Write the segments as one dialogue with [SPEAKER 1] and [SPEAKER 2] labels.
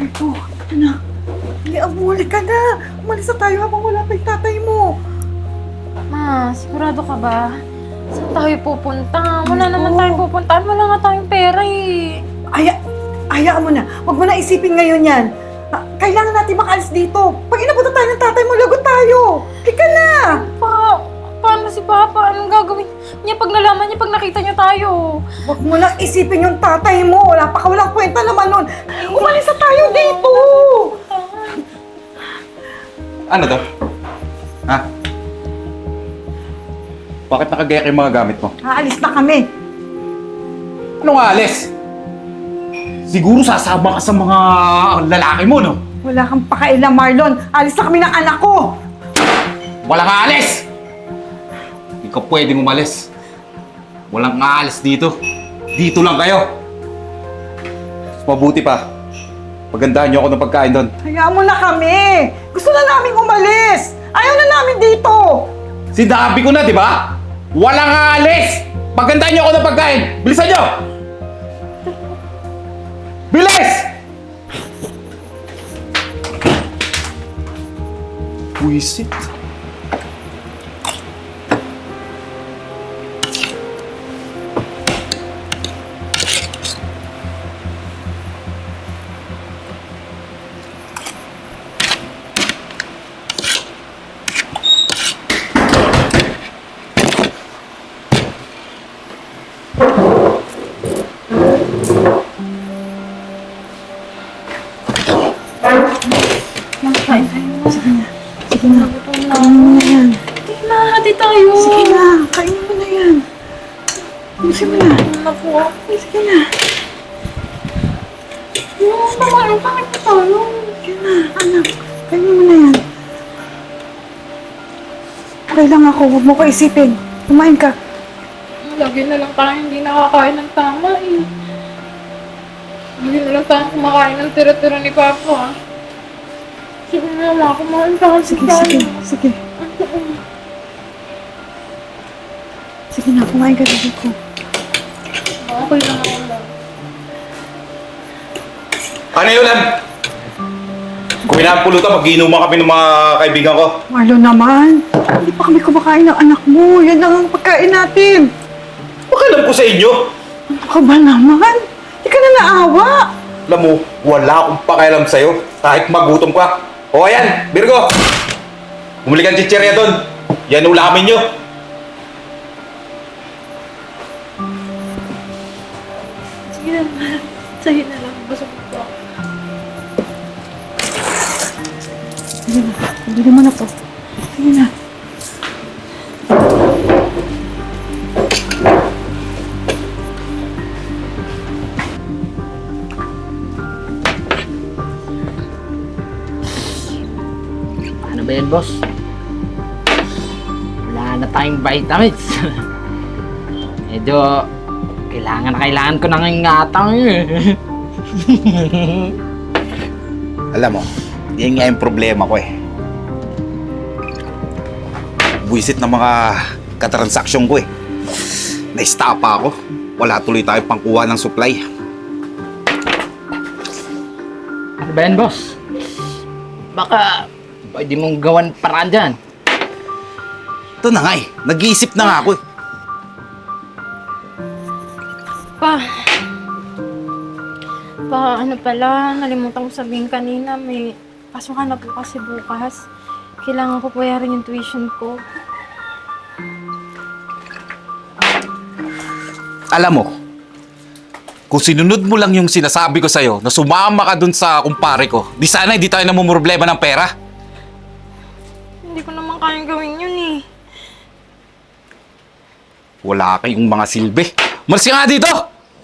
[SPEAKER 1] Ito, anak. Hindi, abuli ka na. Umalis na tayo habang wala pa yung tatay mo.
[SPEAKER 2] Ma, sigurado ka ba? Saan tayo pupunta? Wala
[SPEAKER 1] Ito.
[SPEAKER 2] naman tayong pupuntahan. Wala nga tayong pera eh.
[SPEAKER 1] Hayaan mo na. Huwag mo na isipin ngayon yan. Kailangan natin makaalis dito. Pag inabutan tayo ng tatay mo, lagot tayo. Halika na.
[SPEAKER 2] Paano si Papa? Anong gagawin niya pag nalaman niya, pag nakita niya tayo?
[SPEAKER 1] Huwag mo na isipin yung tatay mo. Walang kwenta naman nun. Umalis na tayo dito.
[SPEAKER 3] Ano to? Ha? Bakit nakagaya yung mga gamit mo?
[SPEAKER 1] Aalis na kami.
[SPEAKER 3] Anong alis? Siguro sasama ka sa mga lalaki mo, no?
[SPEAKER 1] Wala kang pakailan, Marlon. Alis na kami ng anak ko.
[SPEAKER 3] Walang aalis! Hindi ka pwedeng umalis. Walang aalis dito. Dito lang kayo. Mas mabuti pa. Pagandahan niyo ako ng pagkain doon.
[SPEAKER 1] Hayaan mo na kami. Gusto na namin umalis. Ayaw na namin dito.
[SPEAKER 3] Sinabi ko na, di ba? Walang aalis! Pagandahan niyo ako ng pagkain. Bilisan niyo! Bilis! Buisit.
[SPEAKER 1] Sige na. Kainin mo na yan.
[SPEAKER 2] Hindi na, hati tayo.
[SPEAKER 1] Sige na. Kainin mo na yan. Sige mo na.
[SPEAKER 2] Naku.
[SPEAKER 1] Sige na.
[SPEAKER 2] Bakit pa tayo?
[SPEAKER 1] Sige na, anak. Kainin mo na yan. Okay lang ako. Huwag mo ko isipin. Kumain ka.
[SPEAKER 2] Lagi na lang tayo hindi nakakain ng tama eh. Lagi na lang tayo kumakain ng tira-tira ni Papa. Sige na, ma, kumain tayo.
[SPEAKER 1] Sige. Sige na, kumain ka dito ko.
[SPEAKER 2] Okay lang ako lang.
[SPEAKER 3] Ano yun, Lan? Kumain na ang pulutan, mag-iinuman kami ng mga kaibigan ko.
[SPEAKER 1] Marlon naman. Hindi pa kami kumakain ng anak mo. Yan lang ang pagkain natin.
[SPEAKER 3] Pakialam ko sa inyo.
[SPEAKER 1] Ano ka ba naman? Hindi ka na naawa.
[SPEAKER 3] Alam mo, wala akong pakialam sa'yo. Kahit magutom ka. O ayan, Virgo. Bumili kang chichirya doon. Yan ulamin nyo.
[SPEAKER 2] Sige na, ma. Sa'yo na lang. Busog ko.
[SPEAKER 1] Sige na. Bili mo na po. Sige na.
[SPEAKER 4] Ano ba yan, boss? Wala na tayong vitamins. Medyo kailangan ko ng ingatang eh.
[SPEAKER 3] Alam mo, yan nga yung problema ko eh. Buisit ng mga katransaksyon ko eh. Naistapa ako. Wala tuloy tayo pangkuha ng supply.
[SPEAKER 4] Ano ba yan, boss? Baka pwede mong gawan paraan dyan.
[SPEAKER 3] Ito na nga eh. Nag-iisip na nga ako eh.
[SPEAKER 2] Pa, ano pala, nalimutan ko sabihin kanina, may pasukan na po kasi bukas. Kailangan ko bayarin yung tuition ko.
[SPEAKER 3] Alam mo, kung sinunod mo lang yung sinasabi ko sa'yo na sumama ka dun sa kumpare ko, di sana hindi tayo namumroblema ng pera.
[SPEAKER 2] Hindi ko naman kayang gawin yun eh.
[SPEAKER 3] Wala kayong mga silbi. Malis ka nga dito!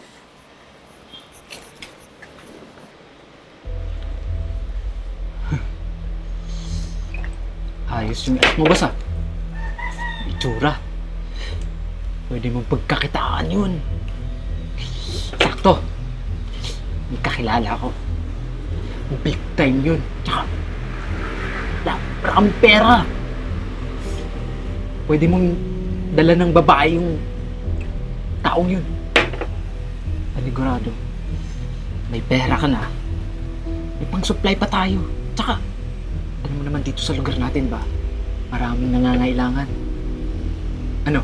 [SPEAKER 4] Ayos yung act mo, boss ah. Itsura. Pwede mong pagkakitaan yun. Sakto. May kakilala ko. Big time yun. Tsaka, maraming pera. Pwede mong dala ng babae yung taong yun. Panigurado. May pera ka na. May pang-supply pa tayo. Tsaka, alam mo naman dito sa lugar natin ba, maraming nangangailangan. Ano?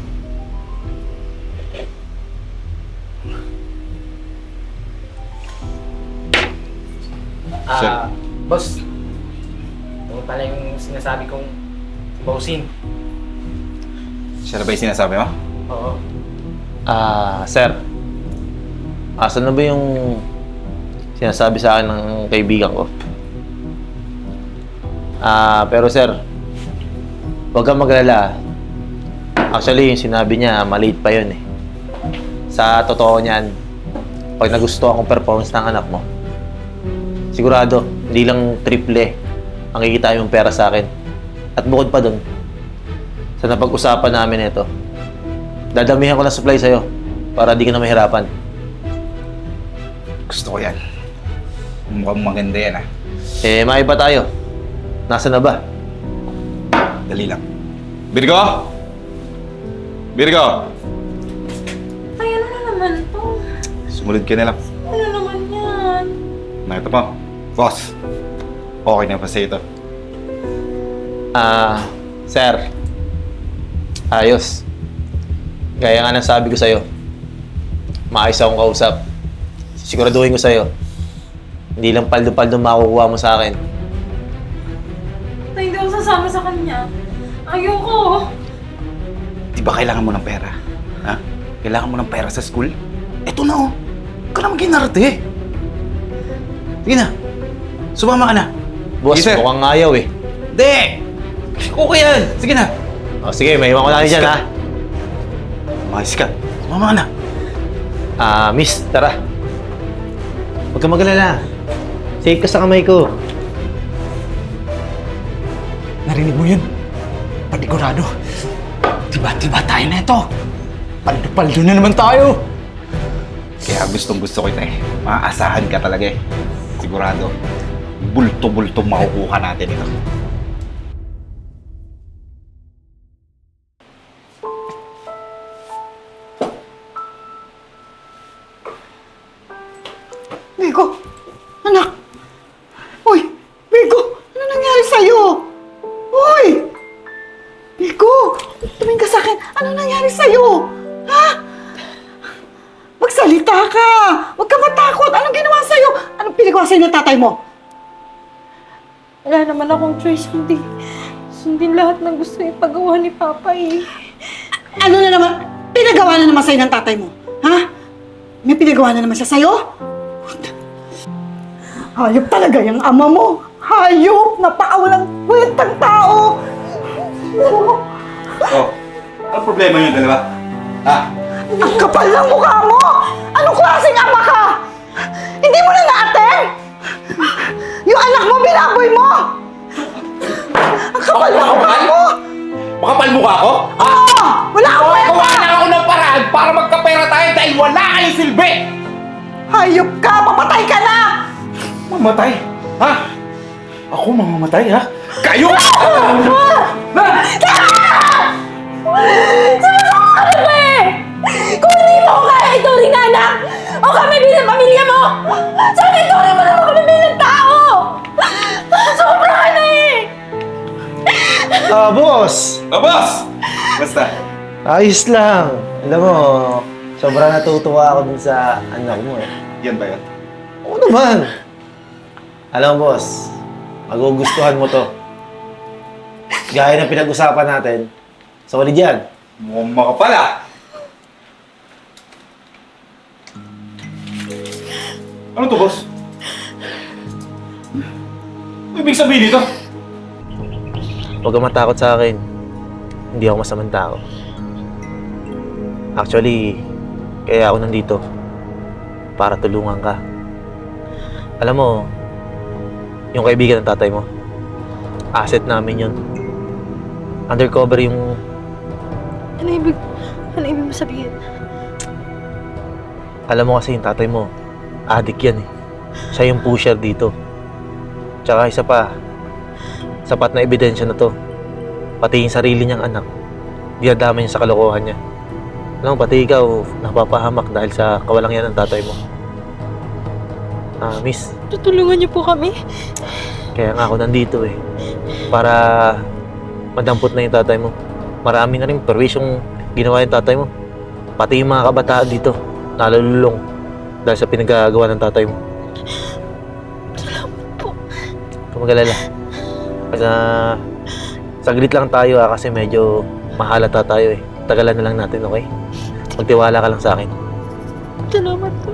[SPEAKER 3] Sir.
[SPEAKER 4] Boss. Ito pala yung sinasabi kong bausin.
[SPEAKER 3] Siya na ba yung sinasabi mo?
[SPEAKER 4] Oo.
[SPEAKER 5] Sir. Asan na ba yung sinasabi sa akin ng kaibigan ko? Pero sir, huwag kang maglala. Actually, yung sinabi niya, maliit pa yun eh. Sa totoo niyan, pag nagustuhan akong performance ng anak mo, sigurado, hindi lang triple ang kikita yung pera sa akin. At bukod pa dun, sa napag-usapan namin ito, dadamihan ko ng supply sa'yo para di ka na mahirapan.
[SPEAKER 3] Gusto ko yan. Mukhang maganda yan ah.
[SPEAKER 5] Maiba tayo. Nasaan na ba?
[SPEAKER 3] Dali lang. Virgo! Virgo!
[SPEAKER 2] Ay, ano na naman to?
[SPEAKER 3] Sumunod ka na lang.
[SPEAKER 2] Ano naman yan?
[SPEAKER 3] Nakita mo? Boss, okay na pa sa'yo ito.
[SPEAKER 5] Sir. Ayos. Gaya nga ng sabi ko sa'yo, maayos akong kausap. Siguraduhin ko sa'yo, hindi lang paldo-paldo makukuha mo sa akin.
[SPEAKER 2] Tay, hindi ako sasama sa kanya. Ayoko.
[SPEAKER 3] Di ba kailangan mo ng pera? Ha? Kailangan mo ng pera sa school? Eto na oh. Huwag ka naman ginarte. Sige na. Sumama ka na.
[SPEAKER 5] Boss,
[SPEAKER 3] Sige, sir.
[SPEAKER 5] mukhang ayaw eh.
[SPEAKER 3] Hindi! Okay yan. Sige na.
[SPEAKER 5] O, sige, may iwan ko lang dyan ha.
[SPEAKER 3] Umayos ka. Sumama ka na.
[SPEAKER 5] Miss, tara. Huwag kang magalala. Safe ka sa kamay ko.
[SPEAKER 3] Narinig mo yun? Panigurado. Diba tayo na ito? Paldo-paldo na naman tayo. Kaya gustong-gusto ko ito eh. Maaasahan ka talaga eh. Sigurado. Bulto-bulto makukuha natin ito.
[SPEAKER 1] Virgo! Anak! Uy! Virgo! Ano nangyari sa'yo? Uy! Virgo! Tumingin ka sa'kin! Ano nangyari sa'yo? Ha? Magsalita ka! Huwag ka matakot! Anong ginawa sa'yo? Anong pinagawa sa'yo ng tatay mo?
[SPEAKER 2] Wala naman akong choice kundi sundin lahat ng gusto ipagawa ni Papa eh.
[SPEAKER 1] Ano na naman? Pinagawa na naman sa'yo ng tatay mo? Ha? May pinagawa na naman siya sa'yo? Hayop talaga yung ama mo! Hayop! Napakawalang kwentang tao!
[SPEAKER 3] Oh, ano problema yun, dalawa? Ha?
[SPEAKER 1] Ang kapal ng mukha mo! Anong klaseng ama ka? Hindi mo na na-attend? Yung anak mo, binaboy mo! Ang kapal ng mukha mo!
[SPEAKER 3] Makapal mukha ko?
[SPEAKER 1] Oo! Wala akong
[SPEAKER 3] Gawa
[SPEAKER 1] kwenta!
[SPEAKER 3] na ako ng paraan para magkapera tayo dahil wala kayong silbi!
[SPEAKER 1] Hayop ka! Papatay ka na!
[SPEAKER 3] Mamatay? Ha? Ako mamamatay, ha? Kayo!
[SPEAKER 2] Sumasama ka na ba eh! Kung hindi mo ako kaya ituring na anak o kami bilang pamilya mo, sana ituring mo naman kami bilang tao! Sobra ka na eh!
[SPEAKER 5] Boss!
[SPEAKER 3] Oh, boss! Basta.
[SPEAKER 5] Ayos lang. Alam mo, sobrang natutuwa ako dun sa anak mo eh.
[SPEAKER 3] Yan ba yan?
[SPEAKER 5] Oo naman. Alam mo, boss, magugustuhan mo to. Gaya ng pinag-usapan natin, solid yan.
[SPEAKER 3] Mukhang makapal, ah! Ano to, boss? Ano ibig sabihin nito?
[SPEAKER 5] Huwag kang matakot sa akin. Hindi ako masamang tao. Actually, kaya ako nandito. Para tulungan ka. Alam mo, yung kaibigan ng tatay mo, asset namin yun. Undercover yung...
[SPEAKER 2] Ano ibig mo sabihin?
[SPEAKER 5] Alam mo kasi yung tatay mo, addict yan eh. Siya yung pusher dito. Tsaka isa pa, sapat na ebidensya na to. Pati yung sarili niyang anak, dinadama niya sa kalokohan niya. Alam mo, pati ikaw, napapahamak dahil sa kawalang yan ng tatay mo. Miss,
[SPEAKER 2] Tutulungan niyo po kami.
[SPEAKER 5] kaya nga ako nandito eh. Para madampot na yung tatay mo. Marami na rin perwisyong ginawa yung tatay mo. Pati yung mga kabataan dito, nalululong dahil sa pinagagawa ng tatay mo.
[SPEAKER 2] Salamat po.
[SPEAKER 5] Huwag kang mag-alala. Saglit lang tayo kasi medyo mahalata tayo eh. Tagalan na lang natin, okay? Magtiwala ka lang sa akin.
[SPEAKER 2] Salamat po.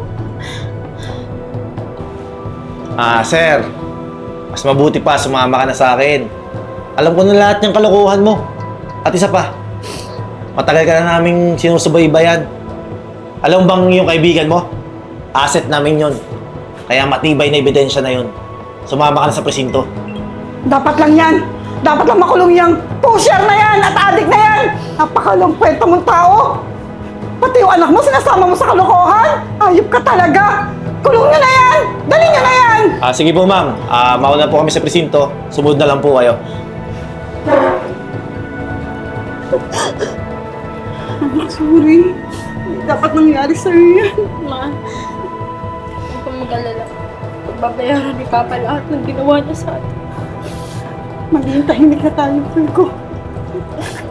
[SPEAKER 5] Sir. Mas mabuti pa, sumama ka na sa akin. Alam ko na lahat ng kalokohan mo. At isa pa, matagal ka na naming sinusubaybayan. Alam mo bang yung kaibigan mo? Asset namin yon. Kaya matibay na ebidensya na yon. Sumama ka na sa presinto.
[SPEAKER 1] Dapat lang yan. Dapat lang makulong yung pusher na yan at adik na yan. Napakalong kwento mong tao. Pati yung anak mo, sinasama mo sa kalokohan. Ayop ka talaga. Kulong nyo na yan. Dali nyo na yan.
[SPEAKER 5] Sige po ma'am, mauna po kami sa presinto. Sumunod na lang po kayo.
[SPEAKER 1] Sorry. Hindi dapat nangyari sa'yo yan.
[SPEAKER 2] Ma, huwag kang mag-alala. Pagbabayaran ni Papa lahat ng ginawa niya sa atin.
[SPEAKER 1] Maging tahimik na tayo, Fulco.